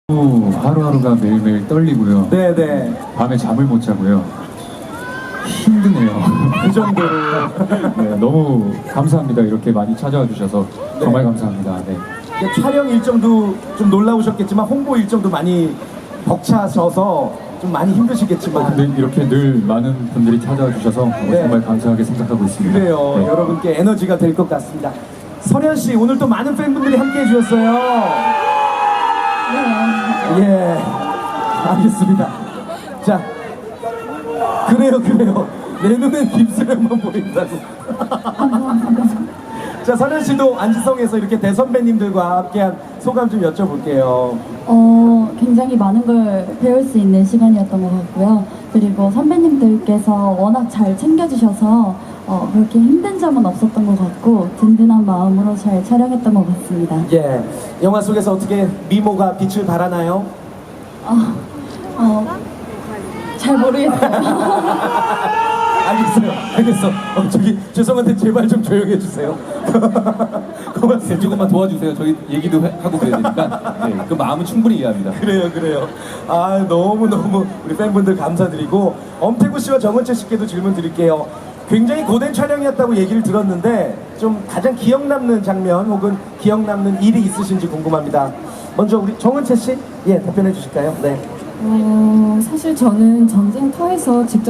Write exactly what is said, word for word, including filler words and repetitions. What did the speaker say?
하루하루가 매일매일 떨리고요. 네네. 밤에 잠을 못 자고요. 힘드네요. 그 정도로. 네, 너무 감사합니다. 이렇게 많이 찾아와 주셔서 정말 감사합니다. 네. 촬영 일정도 좀 놀라우셨겠지만 홍보 일정도 많이 벅차셔서 좀 많이 힘드시겠지만 근데 이렇게 늘 많은 분들이 찾아와 주셔서 네. 정말 감사하게 생각하고 있습니다. 그래요. 네. 여러분께 에너지가 될 것 같습니다. 설현 씨 오늘 또 많은 팬분들이 함께 해주셨어요. 예, 알겠습니다. 자, 그래요, 그래요. 내 눈엔 김수령만 보인다고. 자, 설현 씨도 안지성에서 이렇게 대선배님들과 함께한 소감 좀 여쭤볼게요. 어, 굉장히 많은 걸 배울 수 있는 시간이었던 것 같고요. 그리고 선배님들께서 워낙 잘 챙겨주셔서 어, 그렇게 힘든 점은 없었던 것 같고 든든한 마음으로 잘 촬영했던 것 같습니다. 예, 영화 속에서 어떻게 미모가 빛을 발하나요? 어, 어, 잘 모르겠어요. 알겠어요, 알겠어. 어, 저기 죄송한데 제발 좀 조용히 해주세요. 고맙습니다. 조금만 도와주세요. 저희 얘기도 해- 하고 그래야 되니까. 네, 그 마음은 충분히 이해합니다. 그래요, 그래요. 아, 너무 너무 우리 팬분들 감사드리고 엄태구 씨와 정은채 씨께도 질문 드릴게요. 굉장히 고된 촬영이었다고 얘기를 들었는데 좀 가장 기억 남는 장면 혹은 기억 남는 일이 있으신지 궁금합니다. 먼저 우리 정은채 씨, 예, 답변해 주실까요? 네. 어, 사실 저는 전쟁터에서 직접